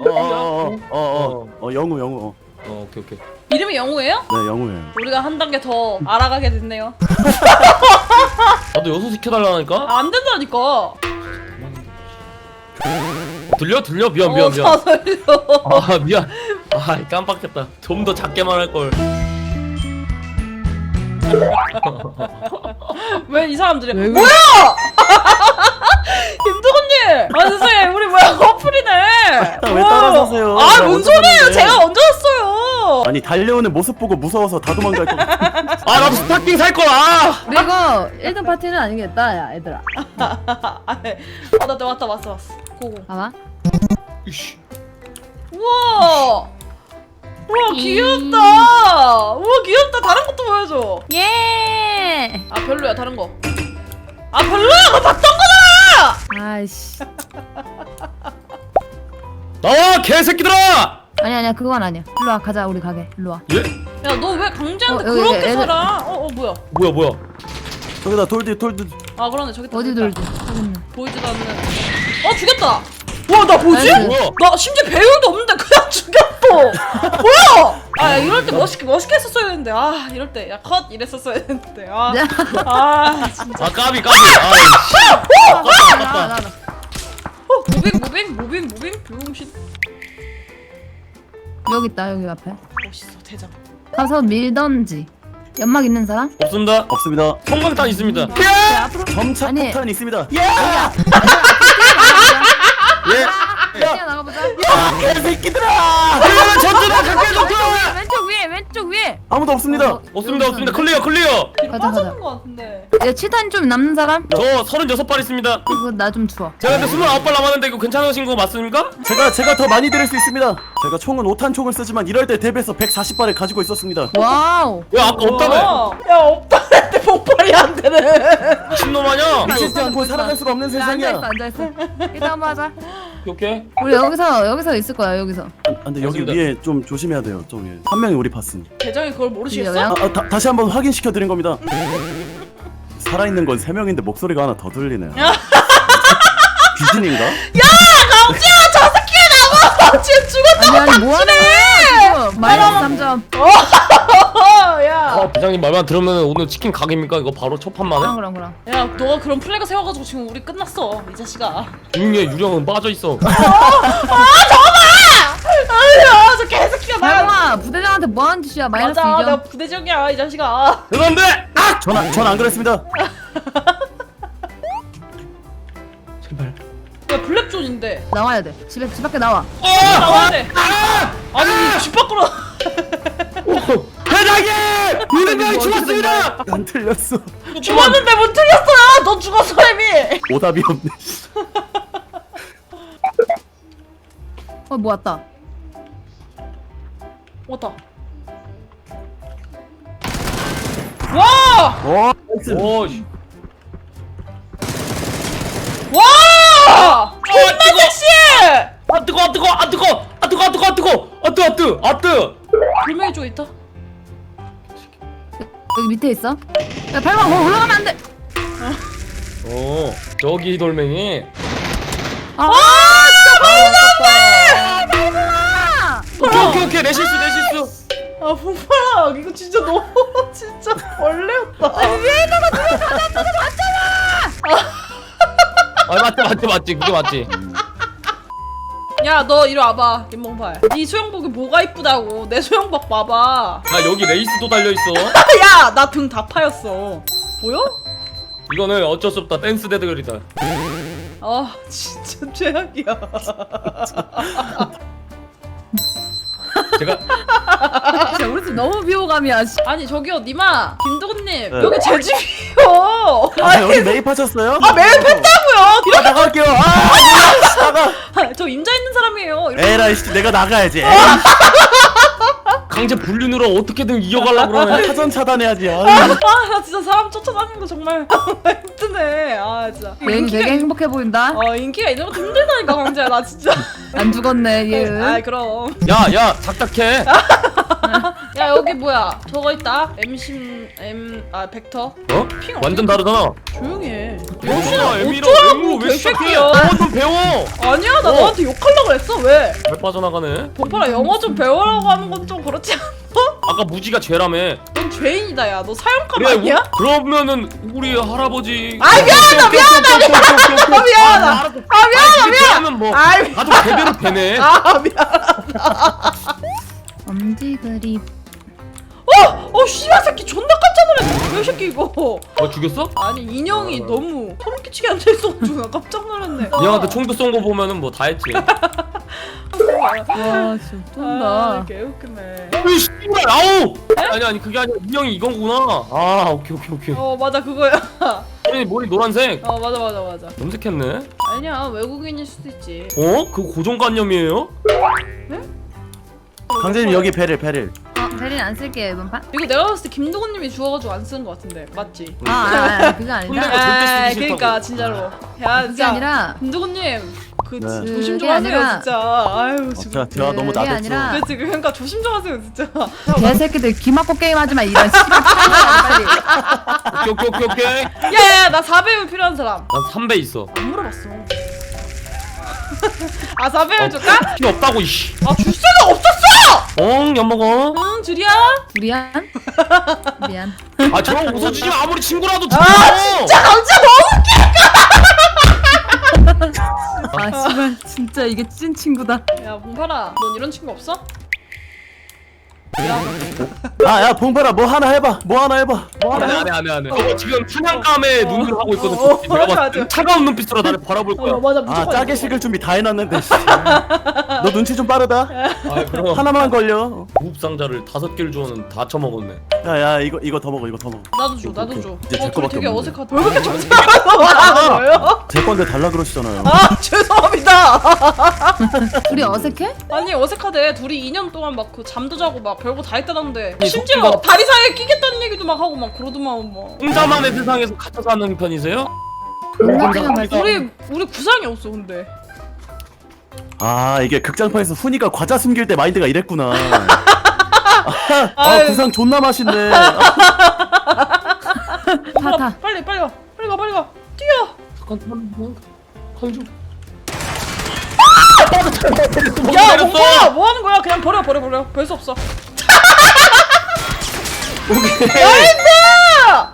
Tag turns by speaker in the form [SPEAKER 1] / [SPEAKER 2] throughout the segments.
[SPEAKER 1] 영우.
[SPEAKER 2] 오케이.
[SPEAKER 3] 이름이 영우예요?
[SPEAKER 1] 네, 영우예요.
[SPEAKER 3] 우리가 한 단계 더 알아가게 됐네요.
[SPEAKER 2] 나도 여수 시켜달라니까?
[SPEAKER 3] 아, 안 된다니까.
[SPEAKER 2] 들려? 미안.
[SPEAKER 3] 다 살려.
[SPEAKER 2] 아 미안. 아 깜빡했다. 좀 더 작게 말할걸.
[SPEAKER 3] 왜 이 사람들이
[SPEAKER 4] 왜
[SPEAKER 3] 뭐야? 김두근님! 아 세상에 우리 뭐야 커플이네.
[SPEAKER 1] 왜 따라서세요?
[SPEAKER 3] 아
[SPEAKER 1] 제가
[SPEAKER 3] 뭔
[SPEAKER 1] 먼저
[SPEAKER 3] 소리예요?
[SPEAKER 1] 갔는데.
[SPEAKER 3] 제가 먼저 왔어요.
[SPEAKER 1] 아니 달려오는 모습 보고 무서워서 다 도망갈 거.
[SPEAKER 2] 아 나도 스타킹 살 거야.
[SPEAKER 4] 근데 이거 1등 파티는 아니겠다 야 얘들아.
[SPEAKER 3] 나 왔어. 고고.
[SPEAKER 4] 봐봐.
[SPEAKER 2] 이씨.
[SPEAKER 3] 우와 귀엽다. 우와 귀엽다. 다른 것도 보여줘.
[SPEAKER 4] 예.
[SPEAKER 3] 아 별로야 다른 거. 아 별로야. 그거 봤던 거잖아.
[SPEAKER 4] 아이씨.
[SPEAKER 2] 나와 개새끼들아.
[SPEAKER 4] 아니야 그건 아니야. 일로 와 가자 우리 가게. 일로 와.
[SPEAKER 2] 예?
[SPEAKER 3] 야 너 왜 강제한테
[SPEAKER 4] 여기
[SPEAKER 3] 그렇게
[SPEAKER 4] 애들-
[SPEAKER 3] 살아? 뭐야?
[SPEAKER 2] 뭐야?
[SPEAKER 1] 저기다 돌디.
[SPEAKER 3] 아 그러네 저기 있다,
[SPEAKER 4] 어디
[SPEAKER 3] 저기 있다.
[SPEAKER 4] 돌지? 저기 있네.
[SPEAKER 3] 보이지도 않는. 죽였다. 와 나 뭐지?
[SPEAKER 4] 나이스.
[SPEAKER 2] 뭐야?
[SPEAKER 3] 나 심지어 배율도 없는데 그냥 죽였어. 뭐야? 아 이럴 때 멋있게 했었어야 했는데 아 이럴 때 야 컷 이랬었어야 했는데 아 진짜
[SPEAKER 2] 아 까비. 아이씨.
[SPEAKER 4] 나와.
[SPEAKER 3] 무빙 무빙신
[SPEAKER 4] 여기 있다 여기 앞에.
[SPEAKER 3] 멋있어 대장.
[SPEAKER 4] 가서 밀던지. 연막 있는 사람?
[SPEAKER 2] 없습니다.
[SPEAKER 1] 없습니다.
[SPEAKER 2] 성광탄 있습니다.
[SPEAKER 4] 앞으로.
[SPEAKER 1] 점착
[SPEAKER 4] 아니.
[SPEAKER 1] 폭탄 있습니다.
[SPEAKER 4] 뛰어 나가보자.
[SPEAKER 1] 개새끼들아!
[SPEAKER 2] 전투다 각계 전투.
[SPEAKER 4] 왼쪽 위에.
[SPEAKER 1] 아무도 없습니다.
[SPEAKER 2] 없습니다. 클리어.
[SPEAKER 4] 가자.
[SPEAKER 3] 빠지는 거 같은데.
[SPEAKER 4] 야 치탄 좀 남는 사람?
[SPEAKER 2] 저 36발 있습니다.
[SPEAKER 4] 이거 나 좀 주워.
[SPEAKER 2] 제가 근데 29발 남았는데 이거 괜찮으신 거 맞습니까?
[SPEAKER 1] 제가 더 많이 드릴 수 있습니다. 제가 총은 5탄 총을 쓰지만 이럴 때 대비해서 140발을 가지고 있었습니다.
[SPEAKER 4] 와우.
[SPEAKER 2] 왜 아까 없다며?
[SPEAKER 3] 야 없다는데 폭발이 안 되네.
[SPEAKER 2] 미친놈 아냐?
[SPEAKER 1] 미치지 않고 살아갈 수가 없는 세상이야.
[SPEAKER 4] 앉아있어. 일단 한번 하자.
[SPEAKER 2] 오케이.
[SPEAKER 4] 우리 여기서 있을 거야 여기서.
[SPEAKER 1] 근데 여기
[SPEAKER 2] 알겠습니다.
[SPEAKER 1] 위에 좀 조심해야 돼요. 좀 위에. 한 명이 우리 봤음.
[SPEAKER 3] 대장이 그걸 모르시겠어?
[SPEAKER 4] 야,
[SPEAKER 1] 다시 한번 확인시켜 드린 겁니다. 살아있는 건 3명인데 목소리가 하나 더 들리네요. 귀신인가?
[SPEAKER 3] 강지야 저 새끼야 나와. 지금 죽었다고.
[SPEAKER 4] 아니 뭐하는 거야 지금. 마이너스 3점.
[SPEAKER 3] 야.
[SPEAKER 2] 대장님 말만 들으면 오늘 치킨 가게입니까? 이거 바로 첫 판만에?
[SPEAKER 4] 그럼.
[SPEAKER 3] 야 너가 그런 플래그 세워가지고 지금 우리 끝났어 이 자식아.
[SPEAKER 2] 유흥의 유령은 빠져있어.
[SPEAKER 3] 아니야 저 개새끼가 나.
[SPEAKER 4] 발광아 부대장한테 뭐하는 짓이야. 마이너스
[SPEAKER 3] 맞아
[SPEAKER 4] 2점.
[SPEAKER 3] 나 부대장이야 이 자식아.
[SPEAKER 2] 그런데!
[SPEAKER 1] 전 안 그랬습니다.
[SPEAKER 2] 제발.
[SPEAKER 3] 야 블랙존인데
[SPEAKER 4] 나와야 돼. 집 밖에 나와.
[SPEAKER 3] 나와야 돼. 아니 집 밖으로.
[SPEAKER 2] 대장님! 우리 명이 죽었습니다!
[SPEAKER 1] 안 틀렸어.
[SPEAKER 3] 죽었는데 못 틀렸어요. 너 죽었어 이미.
[SPEAKER 1] 오답이 없네.
[SPEAKER 4] 뭐 왔다.
[SPEAKER 3] 왔다. 와!
[SPEAKER 1] 나이스.
[SPEAKER 2] 오씨.
[SPEAKER 3] 와! 존나 섹시해!
[SPEAKER 2] 뜨거!
[SPEAKER 3] 불명이 쪽 있다.
[SPEAKER 4] 여기 밑에 있어. 야 발광 거기 올라가면 안 돼.
[SPEAKER 2] 저기 돌멩이.
[SPEAKER 4] 아
[SPEAKER 2] 오케이 내 실수
[SPEAKER 3] 아 봉파라 이거 진짜 너무 진짜 벌레였다.
[SPEAKER 2] 맞지 그게 맞지.
[SPEAKER 3] 야 너 이리 와봐 김봉팔. 네 수영복이 뭐가 이쁘다고. 내 수영복 봐봐.
[SPEAKER 2] 나 여기 레이스도 달려있어.
[SPEAKER 3] 야 나 등 다 파였어. 보여?
[SPEAKER 2] 이거는 어쩔 수 없다. 댄스 대결이다.
[SPEAKER 3] 아 진짜 최악이야.
[SPEAKER 2] 제가
[SPEAKER 4] 진짜 우리 집 너무 비호감이야.
[SPEAKER 3] 아니 저기요 니마 김두근님
[SPEAKER 1] 네.
[SPEAKER 3] 여기 제 집이요.
[SPEAKER 1] 여기 매입하셨어요?
[SPEAKER 3] 매입했다고요? 이렇게
[SPEAKER 1] 나갈게요. 나가.
[SPEAKER 3] 저 임자 있는 사람이에요.
[SPEAKER 1] 에라이 씨, 내가 나가야지.
[SPEAKER 2] 강제 불륜으로 어떻게든 이어가려고 그러네.
[SPEAKER 1] 사전 차단해야지.
[SPEAKER 3] 나 진짜 사람 쫓아다니는 거 정말 힘드네. 아 진짜.
[SPEAKER 4] 얘는 되게 행복해 보인다.
[SPEAKER 3] 인기가 있는 것도 힘들다니까 강재야 나 진짜.
[SPEAKER 4] 안 죽었네 얘.
[SPEAKER 3] 아 그럼.
[SPEAKER 2] 야 작작해.
[SPEAKER 3] 야 여기 뭐야 저거 있다 벡터
[SPEAKER 2] 어?
[SPEAKER 3] 핑
[SPEAKER 2] 완전 다르잖아.
[SPEAKER 3] 조용히 해
[SPEAKER 2] 야, 에미로 왜 시작해?
[SPEAKER 3] 개새끼야
[SPEAKER 2] 영어 좀 배워.
[SPEAKER 3] 아니야 나 너한테 욕하려고 그랬어 왜
[SPEAKER 2] 왜 빠져나가네?
[SPEAKER 3] 봉파라 영어 좀 배우라고 하는 건 좀 그렇지 않아?
[SPEAKER 2] 아까 무지가 죄라며.
[SPEAKER 3] 넌 죄인이다 야 너 사형감
[SPEAKER 2] 그래,
[SPEAKER 3] 아니야?
[SPEAKER 2] 그러면은 우리 할아버지.
[SPEAKER 3] 아이, 미안하다, 미안하다.
[SPEAKER 2] 미안하면 뭐
[SPEAKER 3] 아이,
[SPEAKER 2] 가족 대대로 되네.
[SPEAKER 3] 아 미안
[SPEAKER 4] 엄지 그립.
[SPEAKER 3] 씨발 새끼 존나 깜짝 놀랐네 왜 새끼 이거
[SPEAKER 2] 죽였어?
[SPEAKER 3] 아니 인형이 너무 소름 끼치게 앉아있어가지고 나 깜짝 놀랐네
[SPEAKER 2] 형한테 총도 쏜 거 보면은 뭐 다 했지.
[SPEAKER 4] 와 진짜 쩐다.
[SPEAKER 3] 개웃기네
[SPEAKER 2] 어이 씨발 아우. 아니 그게 아니라 인형이 이거구나. 아 오케이.
[SPEAKER 3] 맞아 그거야
[SPEAKER 2] 머리 노란색.
[SPEAKER 3] 맞아
[SPEAKER 2] 염색했네.
[SPEAKER 3] 아니야 외국인일 수도 있지
[SPEAKER 2] 어? 그거 고정관념이에요?
[SPEAKER 1] 강재님 여기 베릴.
[SPEAKER 4] 베린 안 쓸게요 이번 판.
[SPEAKER 3] 이거 내가 봤을 때 김도건님이 주워가지고 안 쓰는 거 같은데 맞지?
[SPEAKER 4] 그거 아니다.
[SPEAKER 2] 근데 절대 쓰기 싫다고.
[SPEAKER 3] 그러니까 진짜로 야
[SPEAKER 4] 그게
[SPEAKER 3] 진짜
[SPEAKER 4] 아니라
[SPEAKER 3] 김도건님 그
[SPEAKER 1] 네.
[SPEAKER 3] 조심 좀
[SPEAKER 4] 그게
[SPEAKER 3] 하세요
[SPEAKER 4] 아니라-
[SPEAKER 3] 진짜 아유
[SPEAKER 1] 자 대화 너무
[SPEAKER 4] 그게
[SPEAKER 1] 나댔죠.
[SPEAKER 4] 아니라-
[SPEAKER 3] 그치 그러니까 조심 좀 하세요 진짜
[SPEAKER 4] 개새끼들 귀 막고 게임하지 마 이런 씨발 빨리.
[SPEAKER 2] 오케이.
[SPEAKER 3] 야야야 나 4배율 필요한 사람
[SPEAKER 2] 난 3배 있어.
[SPEAKER 3] 안 물어봤어 아 4배율 줄까?
[SPEAKER 2] 필요 없다고 이씨.
[SPEAKER 3] 아 줄 수가 없었어!
[SPEAKER 2] 엿먹어.
[SPEAKER 3] 응 줄이야
[SPEAKER 4] 미안. 미안.
[SPEAKER 2] 아 저런 웃어주지 마. 아무리 친구라도
[SPEAKER 3] 아 진짜 강자 너무
[SPEAKER 4] 아 씨발 진짜 이게 찐 친구다.
[SPEAKER 3] 야 봉파라 넌 이런 친구 없어?
[SPEAKER 1] 야 봉파라 뭐 하나 해봐.
[SPEAKER 2] 안해. 너 지금 사냥감에 눈을 하고 있거든. 내가
[SPEAKER 3] 맞아,
[SPEAKER 2] 봤을 때
[SPEAKER 3] 맞아.
[SPEAKER 2] 차가운 눈빛으로 나를 바라볼 거야.
[SPEAKER 3] 맞아
[SPEAKER 1] 아
[SPEAKER 3] 무조건
[SPEAKER 1] 짜게 식을 준비 다 해놨는데. 씨. 너 눈치 좀 빠르다.
[SPEAKER 2] 아 그럼
[SPEAKER 1] 하나만 걸려.
[SPEAKER 2] 무흡 상자를 5개를 주워는 다 처먹었네.
[SPEAKER 1] 야야 이거 더 먹어.
[SPEAKER 3] 나도 줘
[SPEAKER 1] 이제 제
[SPEAKER 3] 둘이
[SPEAKER 1] 거밖에
[SPEAKER 3] 되게
[SPEAKER 1] 없는데.
[SPEAKER 3] 어색하다 왜 그렇게 정색하면서 말하는 거예요?
[SPEAKER 1] 제 건데 달라 그러시잖아요.
[SPEAKER 3] 아 죄송합니다
[SPEAKER 4] 둘이 어색해?
[SPEAKER 3] 아니 어색하대 둘이 2년 동안 막 그 잠도 자고 막 별거 다 했다던데
[SPEAKER 2] 아니,
[SPEAKER 3] 심지어
[SPEAKER 2] 속기가-
[SPEAKER 3] 다리 사이에 끼겠다는 얘기도 막 하고 막 그러더만 뭐
[SPEAKER 2] 혼자만의 세상에서 갇혀 사는 편이세요?
[SPEAKER 4] 인정한 말.
[SPEAKER 3] 우리 구상이 없어 근데
[SPEAKER 1] 아 이게 극장판에서 훈이가 과자 숨길 때 마인드가 이랬구나. 아
[SPEAKER 3] 아유.
[SPEAKER 1] 구상 존나 맛있네.
[SPEAKER 4] 타.
[SPEAKER 3] 빨리 가 뛰어
[SPEAKER 2] 잠깐 강주.
[SPEAKER 3] 야 몽타 뭐 하는 거야 그냥 버려 별 수 없어 나이스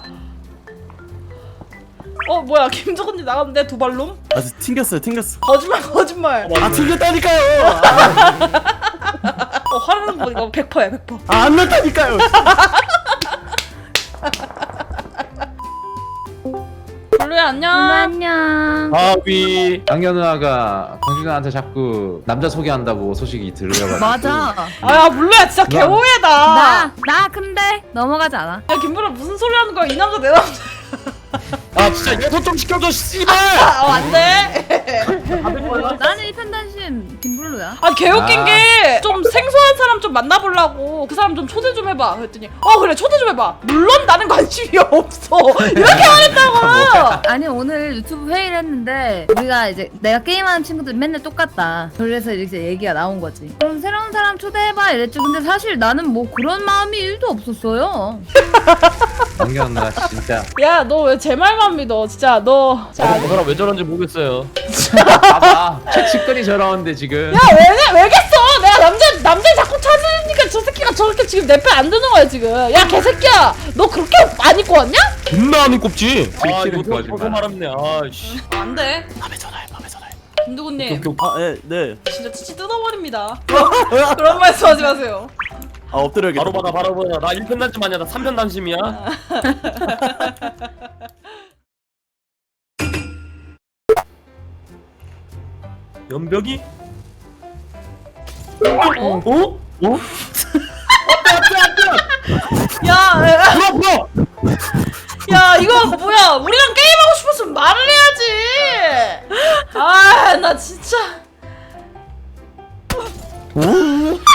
[SPEAKER 3] 뭐야 김정은님 나갔는데 도발놈
[SPEAKER 1] 아주 튕겼어요.
[SPEAKER 3] 거짓말
[SPEAKER 1] 아 튕겼다니까요.
[SPEAKER 3] 화내는 거 보니까 100%야 100%
[SPEAKER 1] 안 났다니까요.
[SPEAKER 3] 블루야 안녕
[SPEAKER 4] 안녕.
[SPEAKER 2] 아위.
[SPEAKER 5] 강현 누나가 강준 누나한테 자꾸 남자 소개한다고 소식이 들려가지고
[SPEAKER 4] 맞아.
[SPEAKER 3] 아 블루야 진짜 개오해다
[SPEAKER 4] 나 근데 넘어가지 않아.
[SPEAKER 3] 야 김블루 무슨 소리 하는 거야 이 남자 내 남자
[SPEAKER 2] 아 진짜 예소 좀 시켜줘 씨발.
[SPEAKER 3] 안돼
[SPEAKER 4] 나는 이 편단심 김블루야.
[SPEAKER 3] 아 개웃긴
[SPEAKER 5] 아.
[SPEAKER 3] 게 좀 생소한 사람 좀 만나보려고 그 사람 좀 초대 좀 해봐 그랬더니 그래 초대 좀 해봐 물론 나는 관심이 없어 이렇게 말했다고
[SPEAKER 4] 아니 오늘 유튜브 회의를 했는데 우리가 이제 내가 게임하는 친구들 맨날 똑같다. 그래서 이제 얘기가 나온 거지. 그럼 새로운 사람 초대해봐 이랬지. 근데 사실 나는 뭐 그런 마음이 1도 없었어요.
[SPEAKER 5] 강현 누나 진짜
[SPEAKER 3] 야 너 왜 제 말만 믿어 진짜 너 자,
[SPEAKER 2] 저 사람 왜 저런지 모르겠어요.
[SPEAKER 5] 봐봐 최측근이 저러는데 지금
[SPEAKER 3] 야 왜겠어 내가 남자 자꾸 찾으니까 저 새끼가 저렇게 지금 내 편 안 드는 거야 지금 야 개새끼야 너 그렇게 안 입고 왔냐?
[SPEAKER 2] 존나 안 입곱지. 아
[SPEAKER 5] 들키는
[SPEAKER 2] 이거
[SPEAKER 5] 거짓말.
[SPEAKER 2] 벌써 말았네. 아씨.
[SPEAKER 3] 안돼
[SPEAKER 1] 밤에 전화해.
[SPEAKER 3] 김두구님
[SPEAKER 1] 네.
[SPEAKER 3] 진짜 치치 뜯어버립니다 그런 말씀하지 마세요
[SPEAKER 1] 아 엎드려야겠다.
[SPEAKER 2] 바로 받아. 나 1편 단심 아니야. 나 3편 단심이야. 연벽이?
[SPEAKER 3] 어?
[SPEAKER 2] 어?
[SPEAKER 3] 야,
[SPEAKER 2] 불어!
[SPEAKER 3] 야 이거 뭐야 우리랑 게임하고 싶었으면 말을 해야지 아 나 진짜